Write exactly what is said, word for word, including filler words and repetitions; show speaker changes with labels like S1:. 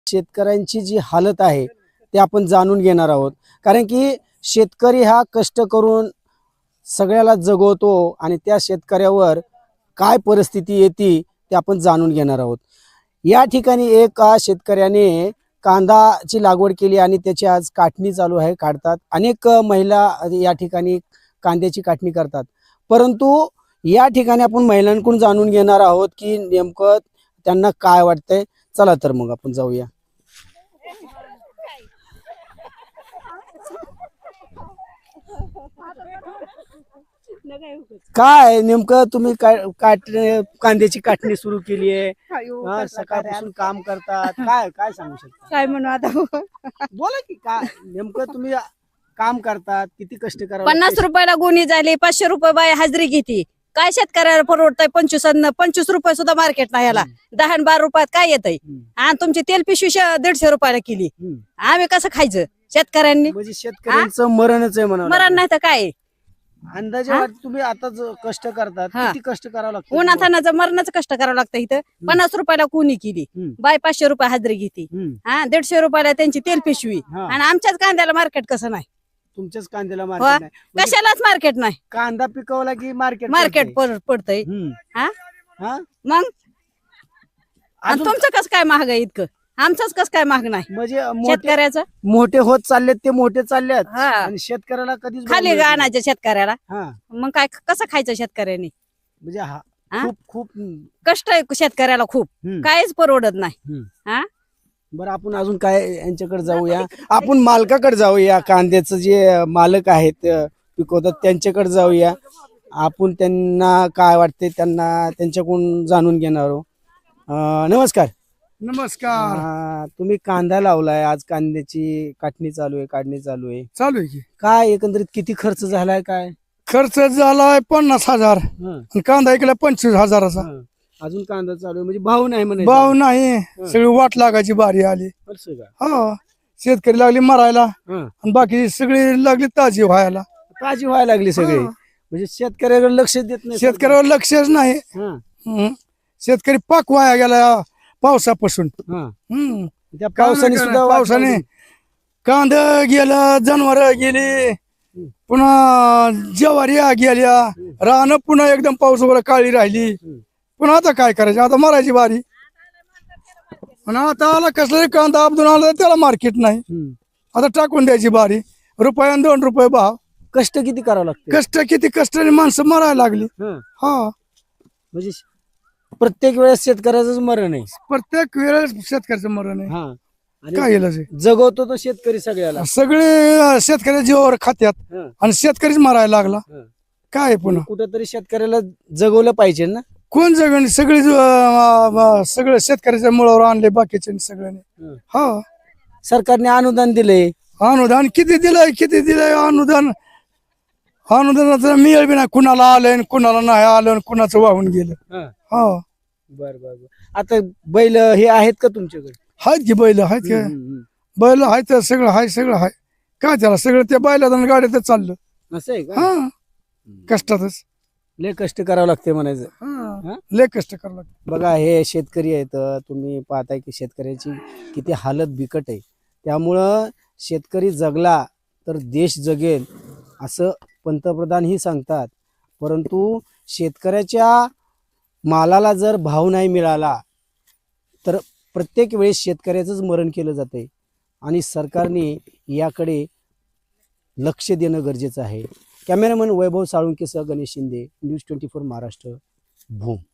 S1: शेतकऱ्यांची जी हालत आहे ते आपण जाणून घेणार आहोत, कारण की शेतकरी हा कष्ट करून सगळ्याला जगवतो आणि त्या शेतकऱ्यावर काय परिस्थिती येते ते आपण जाणून घेणार आहोत। या ठिकाणी एका शेतकऱ्याने कांदाची लागवड केली आणि त्याची आज काटणी चालू आहे, काढतात। अनेक महिला या ठिकाणी कांद्याची काटणी करतात, परंतु या ठिकाणी आपण महिलांकडून जाणून घेणार आहोत की नेमकं त्यांना काय वाटतंय। चला तर मग आपण जाऊया। काय नेमकं तुम्ही काय काट कांद्याची काटणी सुरू केली आहे, सकाळपासून काम करतात, काय काय सांगू शकता?
S2: काय म्हणू आता,
S1: बोला की काय नेमकं तुम्ही काम करतात, किती कष्ट करावं
S2: पन्नास
S1: लागते?
S2: रुपयाला गुणी झाली, पाचशे रुपये बाय हजरी घेती, काय शेतकऱ्याला परवडतंय? पंचवीस पंचवीस रुपये सुद्धा मार्केट नाही याला, दहा आणि बारा रुपयात काय येतंय? आणि तुमची तेल पिशवी शे- दीडशे रुपयाला केली,
S1: हम्म.
S2: आम्ही कसं खायचं शेतकऱ्यांनी?
S1: म्हणजे शेतकऱ्यांचं मरणच आहे म्हणा।
S2: मरण नाही तर काय?
S1: अंदाजे
S2: हा?
S1: वाट- तुम्ही आता जो कष्ट करतात
S2: हा.
S1: किती कष्ट करावं लागतं?
S2: उन्हातानाचं मरणाचं कष्ट करावं लागतं इथं। पन्नास रुपयाला कुणी केली,
S1: हम्म.
S2: बाय पाचशे रुपये हजरी घेती,
S1: हम्म.
S2: हा दीडशे रुपयाला त्यांची तेल पिशवी,
S1: हा.
S2: आणि आमच्याच कांद्याला मार्केट कसं नाही?
S1: तुमच्याच कांद्याला
S2: हो.
S1: मार्केट नाही म्हणजे
S2: कशालाच मार्केट नाही,
S1: कांदा पिकवला की मार्केट
S2: मार्केट पडतंय। हा
S1: हा
S2: मग आणि
S1: अजून
S2: तुमचं कसं काय महाग आहे इतकं? आमचंच कसं काय महाग नाही
S1: म्हणजे मोठे
S2: शेतकऱ्याचं?
S1: मोठे होत चाललेत ते मोठे चाललेत
S2: हा.
S1: आणि शेतकऱ्याला कधीच भाव
S2: खाली
S1: मिळत नाही.
S2: आणायचं शेतकऱ्याला,
S1: हा
S2: मग काय कसं खायचं शेतकऱ्यांनी?
S1: म्हणजे हा
S2: हा?
S1: खूप खूप हम्म,
S2: कष्ट आहे शेतकऱ्याला खूप,
S1: हम्म,
S2: काहीच परवडत नाही।
S1: हम्म.
S2: हा
S1: बरं आपण अजून काय यांच्याकडे जाऊया, आपण मालकाकडे जाऊया, कांद्याचं जे मालक आहेत अं, पिकवतात त्यांच्याकडे जाऊया, आपण त्यांना काय वाटते त्यांना त्यांच्याकडून जाणून घेणार आहोत। अं, नमस्कार
S3: नमस्कार।
S1: अं, तुम्ही कांदा लावलाय, आज कांद्याची काटणी चालू आहे, काढणी चालू आहे,
S3: चालू आहे की
S1: काय एकंदरीत किती खर्च झालाय काय?
S3: खर्च झालाय पन्नास हजार
S1: हं,
S3: आणि कांदा इकडे पंचवीस हजाराचा।
S1: हं. अजून कांदा चालू आहे म्हणजे भाव नाही म्हणे
S3: भाव नाही, सगळी वाट लागायची बारी आली।
S1: का?
S3: हो, शेतकरी लागली मरायला
S1: हं.
S3: आणि बाकी सगळी लागली ताजी व्हायला।
S1: ताजी व्हायला लागली सगळी,
S3: हा.
S1: म्हणजे शेतकऱ्याकडे लक्ष देत नाही सरकार.
S3: शेतकऱ्यावर लक्षच नाही।
S1: हं,
S3: हम्म. शेतकरी पाक वाया गेला पावसापासून।
S1: हं.
S3: हम्म.
S1: त्या
S3: काय
S1: पावसाने
S3: नाही
S1: सुद्धा
S3: करणार, पावसाने
S1: वाट
S3: कांदा गेला, जनावर गेली, पुन्हा ज्वारी गेल्या, रान पुन्हा एकदम पाऊस वगैरे काळी राहिली, पुन्हा आता काय करायचं? आता मरायची बारी। आणि आता आला कसला कांदा आपदून आला त्याला मार्केट नाही,
S1: हं.
S3: आता टाकून द्यायची बारी। रुपया आणि दोन रुपये भाव,
S1: कष्ट किती करावं लागतं?
S3: कष्ट किती कष्टाने माणसं मरायला लागली।
S1: हं.
S3: हा,
S1: म्हणजे प्रत्येक वेळेस शेतकऱ्याचंच मरण आहे।
S3: प्रत्येक वेळेस शेतकऱ्याचं मरण आहे।
S1: हा आणि
S3: काय इलाज आहे?
S1: जगवतो तो शेतकरी सगळ्याला।
S3: सगळे शेतकऱ्या जीवावर खात्यात
S1: हं.
S3: आणि शेतकरीच मारायला लागला।
S1: हं.
S3: काय आहे पुन्हा?
S1: कुठेतरी शेतकऱ्याला जगवलं पाहिजे ना।
S3: कोण जगण? सगळी सगळं शेतकऱ्याच्या मुळावर आणले बाकीचे सगळ्यांनी।
S1: हं.
S3: हा,
S1: सरकारने अनुदान दिले,
S3: अनुदान किती दिलंय किती दिलंय अनुदान? अनुदानाचं मिळेल बी नाही, कुणाला आलं कुणाला नाही आलं, कुणाचं वाहून गेलं।
S1: हं.
S3: हा,
S1: बर बर बर। आता बैल हे आहेत का तुमच्याकडे?
S3: आहेत की बैल आहेत की,
S1: हं, हं,
S3: बैल आहेत सगळं आहे, सगळं आहे। काय त्याला सगळं त्या बैलात आणि गाड्यातच चाललं।
S1: हं. असं आहे का?
S3: हा, कष्टातच।
S1: लय कष्ट करावं लागते म्हणायचं।
S3: हा,
S1: हा?
S3: लय कष्ट करावं लागतं।
S1: बघा हे शेतकरी आहेत, तुम्ही पाहताय की शेतकऱ्याची किती हालत बिकट आहे। त्यामुळं शेतकरी जगला तर देश जगेल असं पंतप्रधानही सांगतात, परंतु शेतकऱ्याच्या मालाला जर भाव नाही मिळाला तर प्रत्येक वेळेस शेतकऱ्याचंच मरण केलं जाते आणि सरकारने याकडे लक्ष देणं गरजेचं आहे। कॅमेरामन वैभव साळुंकेसह Ganesh Shinde, news twenty four Maharashtra, Bhoom.